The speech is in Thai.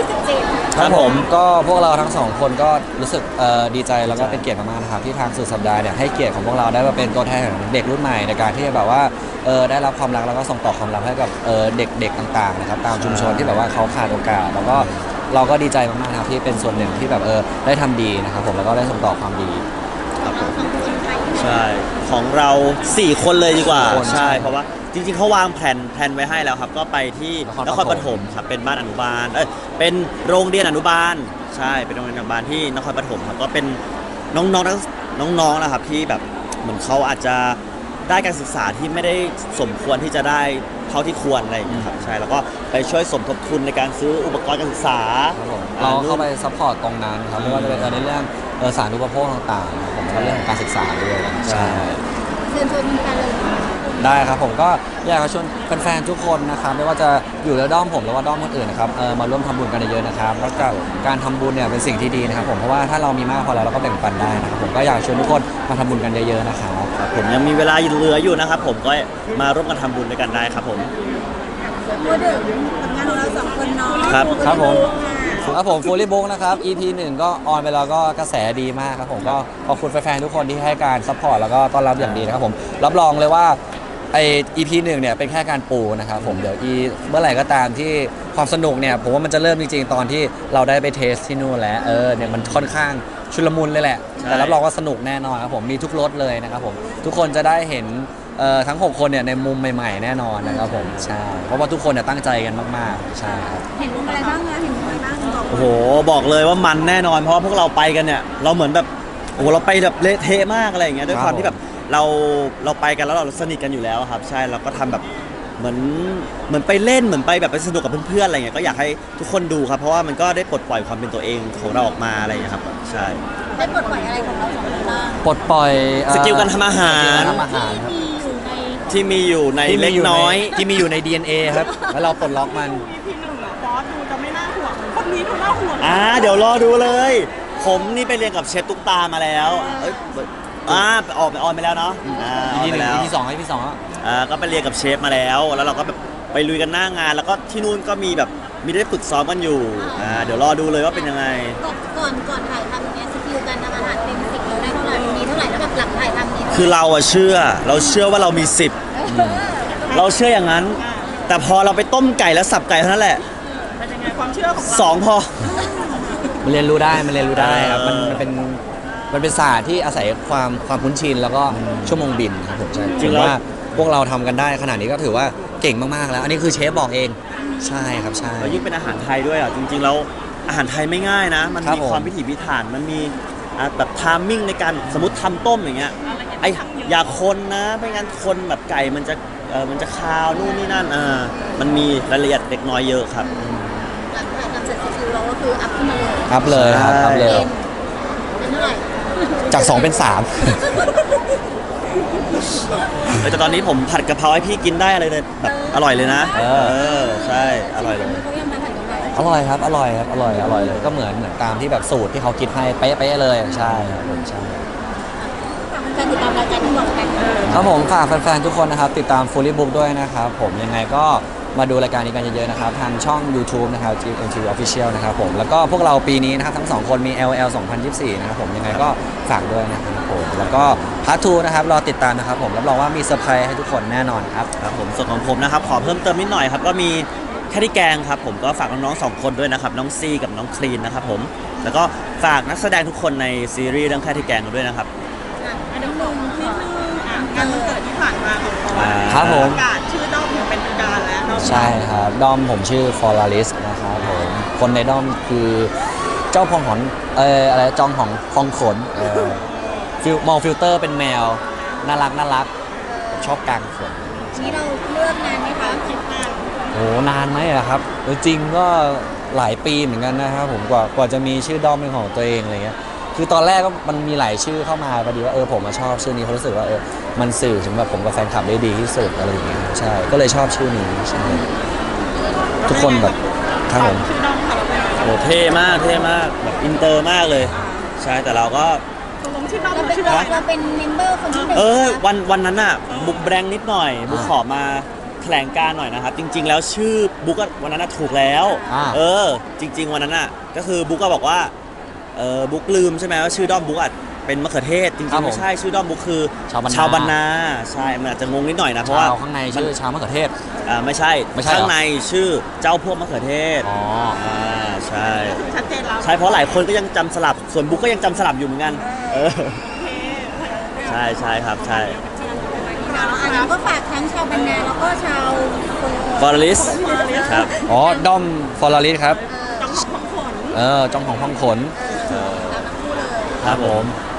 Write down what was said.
27 ครับผมก็พวกเราทั้งสองคนก็รู้สึกดีใจแล้วก็เป็นเกียรติมากๆนะครับที่ทางสุดสัปดาห์เนี่ยให้เกียรติของพวกเราได้มาเป็นตัวแทนของเด็กรุ่นใหม่ในการที่จะแบบว่าได้รับความรักแล้วก็ส่งต่อความรักให้กับเด็กๆต่างๆนะครับตามชุมชนที่แบบว่าเขาขาดโอกาสแล้วก็เราก็ดีใจมากๆนะครับที่เป็นส่วนหนึ่งที่แบบได้ทำดีนะครับผมแล้วก็ได้ส่งต่อความดีครับผมใช่ของเรา4คนเลยดีกว่าคนใช่เพราะว่าจริงๆเขาวางแผนไว้ให้แล้วครับก็ไปที่นครปฐมครับเป็นบ้านอนุบาลเป็นโรงเรียนอนุบาลใช่เป็นโรงเรียนอนุบาลที่นครปฐมครับก็เป็นน้องๆนะครับที่แบบเหมือนเขาอาจจะได้การศึกษาที่ไม่ได้สมควรที่จะได้เท่าที่ควรอะไรอย่างเงี้ยครับใช่แล้วก็ไปช่วยสมทบทุนในการซื้ออุปกรณ์การศึกษาเราเข้าไปซัพพอร์ตตรงนั้นครับไม่ว่าจะเป็นในเรื่องสาธารณูปโภคต่างๆผมก็เรื่องของการศึกษาด้วยใช่เชิญชวนกันเลยได้ครับผมก็อยากจะชวนแฟนๆทุกคนนะครับไม่ว่าจะอยู่ในด้อมผมหรือว่าด้อมคนอื่นนะครับมาร่วมทำบุญกันเยอะๆนะครับแล้วก็การทำบุญเนี่ยเป็นสิ่งที่ดีนะครับผมเพราะว่าถ้าเรามีมากพอแล้วเราก็แบ่งปันได้นะครับผมก็อยากชวนทุกคนมาทำบุญกันเยอะๆนะครับผมยังมีเวลาเหลืออยู่นะครับผมก็มาร่วมกันทำบุญด้วยกันได้ครับผมพูดถึงผลงานของเรา2คนเนาะครับผมฟูลี่บุ๊กนะครับ EP 1ก็ออนไปแล้วก็กระแสดีมากครับผมก็ขอบคุณแฟนๆทุกคนที่ให้การซัพพอร์ตแล้วก็ต้อนรับอย่างดีนะครับผมรับรองเลยว่าEP 1เนี่ยเป็นแค่การปูนะครับผมเดี๋ยวเมื่อไหร่ก็ตามที่ความสนุกเนี่ยผมว่ามันจะเริ่มจริงๆตอนที่เราได้ไปเทสที่นู่นแล้วเนี่ยมันค่อนข้างชุลมุนเลยแหละแต่รับรองว่าสนุกแน่นอนครับผมมีทุกรสเลยนะครับผมทุกคนจะได้เห็นทั้ง6คนเนี่ยในมุมใหม่ๆแน่นอนนะครับผมใช่เพราะว่าทุกคนเนี่ยตั้งใจกันมากๆใช่ครับเห็นมุมอะไรบ้างนะเห็นมุมอะไรบ้างบอกโอ้โหบอกเลยว่ามันแน่นอนเพราะว่าพวกเราไปกันเนี่ยเราเหมือนแบบโอ้โหเราไปแบบเละเทะมากอะไรอย่างเงี้ยด้วยความที่แบบเราไปกันแล้วเราสนิทกันอยู่แล้วครับใช่เราก็ทำแบบเหมือนไปเล่นเหมือนไปแบบไปสนุกกับเพื่อนๆอะไรเงี้ยก็อยากให้ทุกคนดูครับเพราะว่ามันก็ได้ปลดปล่อยความเป็นตัวเองของเราออกมาอะไรอย่างเงี้ยครับใช่ได้ปลดปล่อยอะไรของเรา2คนบ้างปลดปล่อยสกิลการทำอาหารที่มีอยู่ในเล็กน้อยที่มีอยู่ใน DNA ครับแล้วเราปลดล็อกมันพี่หนึ่งอะบอสดูจะไม่น่าห่วงคนนี้ดูน่าห่วงเดี๋ยวรอดูเลยผมนี่ไปเรียนกับเชฟตุ๊กตามาแล้วออนไปแล้วเนาะออนไปแล้วEP 2EP 2 ก็ไปเรียนกับเชฟมาแล้วเราก็แบบไปลุยกันหน้างานแล้วก็ที่นู่นก็มีแบบมีได้ฝึกซ้อมกันอยู่เดี๋ยวรอดูเลยว่าเป็นยังไงก่อนถ่ายทำเนี่ยสกิลการทำอาหารเต็ม10เราได้เท่าไหร่มีเท่าไหร่แล้วแบบหลังถ่ายทำนี่คือเราเชื่อว่าเรามี10เราเชื่ออย่างนั้นแต่พอเราไปต้มไก่แล้วสับไก่เท่านั้นแหละเป็นยังไงความเชื่อของเรา 2พอมันเรียนรู้ได้ครับมันเป็นศาสตร์ที่อาศัยความคุ้นชินแล้วก็ชั่วโมงบินครับผมใช่จริงว่าพวกเราทำกันได้ขนาดนี้ก็ถือว่าเก่งมากๆแล้วอันนี้คือเชฟบอกเองใช่ครับใช่แล้วยิ่งเป็นอาหารไทยด้วยจริงๆแล้วอาหารไทยไม่ง่ายนะมันมีความพิถีพิถันมันมีแบบไทมิ่งในการสมมติทำต้มอย่างเงี้ยอย่าคนนะไม่งั้นคนแบบไก่มันจะคาวนู่นนี่นั่นมันมีรายละเอียดเล็กน้อยเยอะครับหลังถ่ายทำเสร็จสกิลเราก็คืออัพขึ้นมาเลยอัพเลยครับอัพเลยเป็นเท่าไหร่จาก2เป็น3 แต่ตอนนี้ผมผัดกะเพราให้พี่กินได้อะไรเลยแบบอร่อยเลยนะใช่อร่อยเลยอร่อยครับอร่อยเลยก็เหมือนตามที่แบบสูตรที่เขาคิดให้เป๊ะเลยใช่ครับผมใช่การติดตามรายการที่บอกกันครับผมฝากแฟนๆทุกคนนะครับติดตาม Fully Book ด้วยนะครับผมยังไงก็มาดูรายการนี้กันเยอะๆนะครับทางช่อง YouTube นะครับ GMTV Official นะครับผมแล้วก็พวกเราปีนี้นะครับทั้ง2คนมี LL 2024นะครับผมยังไงก็ฝากด้วยนะครับผมแล้วก็พาร์ท 2นะครับรอติดตามนะครับผมรับรองว่ามีเซอร์ไพรส์ให้ทุกคนแน่นอนครับครับผมส่วนของผมนะครับขอเพิ่มเติมนิดหน่อยครับก็มีแค่ที่แกงครับผมก็ฝากน้องๆ2คนด้วยนะครับน้องซีกับน้องคลีนนะครับผมแล้วก็ฝากนักแสดงทุกคนในซีรีส์เรื่องแค่ที่แกงด้วยนะครับอันนี้ลงนิดนึงงานวันเกิดที่ผ่านมาของบอสครับผมประกาศชื่อด้อมอย่างเป็นทางการแล้วใช่ครับด้อมผมชื่อ Floralist นะครับผมคนในด้อมคือเจ้าพองหอนอะไรจองของพองขนมองฟิลเตอร์เป็นแมวน่ารักชอบกางขนนี่เราเลือกงานไหมคะคิดนานโอ้นานไหมอะครับจริงก็หลายปีเหมือนกันนะครับผมกว่าจะมีชื่อด้อมเป็นของตัวเองอะไรเงี้ยคือตอนแรกก็มันมีหลายชื่อเข้ามาพอดีว่าผมชอบชื่อนี้เขารู้สึกว่ามันสื่อถึงแบบผมกับแฟนคลับได้ดีที่สุดอะไรอย่างเงี้ยใช่ก็เลยชอบชื่อนี้ใช่ทุกคนแบบครับผมโอ้เท่มากแบบอินเตอร์มากเลยใช่แต่เราก็เราเป็นเมมเบอร์คนที่1 วันนั้นน่ะบุกแบงนิดหน่อยบุกขอมาแถลงการณ์หน่อยนะครับ จริง ๆ แล้วชื่อบุ๊กอะวันนั้นอะถูกแล้ว จริง ๆ วันนั้นอะก็คือบุ๊กก็บอกว่าบุ๊กลืมใช่ไหมว่าชื่อด้อมบุ๊กอะเป็นมะเขือเทศจริงครับๆผมไม่ใช่ชื่อด้อมบุ๊กคือชาวบรรณาชาวบรรณาใช่มันอาจจะงงนิดหน่อยนะเพราะว่าชาวข้างในชื่อชาวมะเขือเทศไม่ใช่ไม่ใช่เหรอข้างในชื่อเจ้าพวกมะเขือเทศอ๋อใช่ชัดเจนแล้วใช่เพราะหลายคนก็ยังจำสลับส่วนบุ๊กก็ยังจำสลับอยู่เหมือนกันใช่ครับใช่อันนั้นก็ฝากทั้งชาวบรรณาแล้วก็ชาวฟอร์ลิสครับอ๋อด้อมฟอร์ลิสครับจังหวะของขนจองของพองขนตามทั้งคู่เลยครับผมอ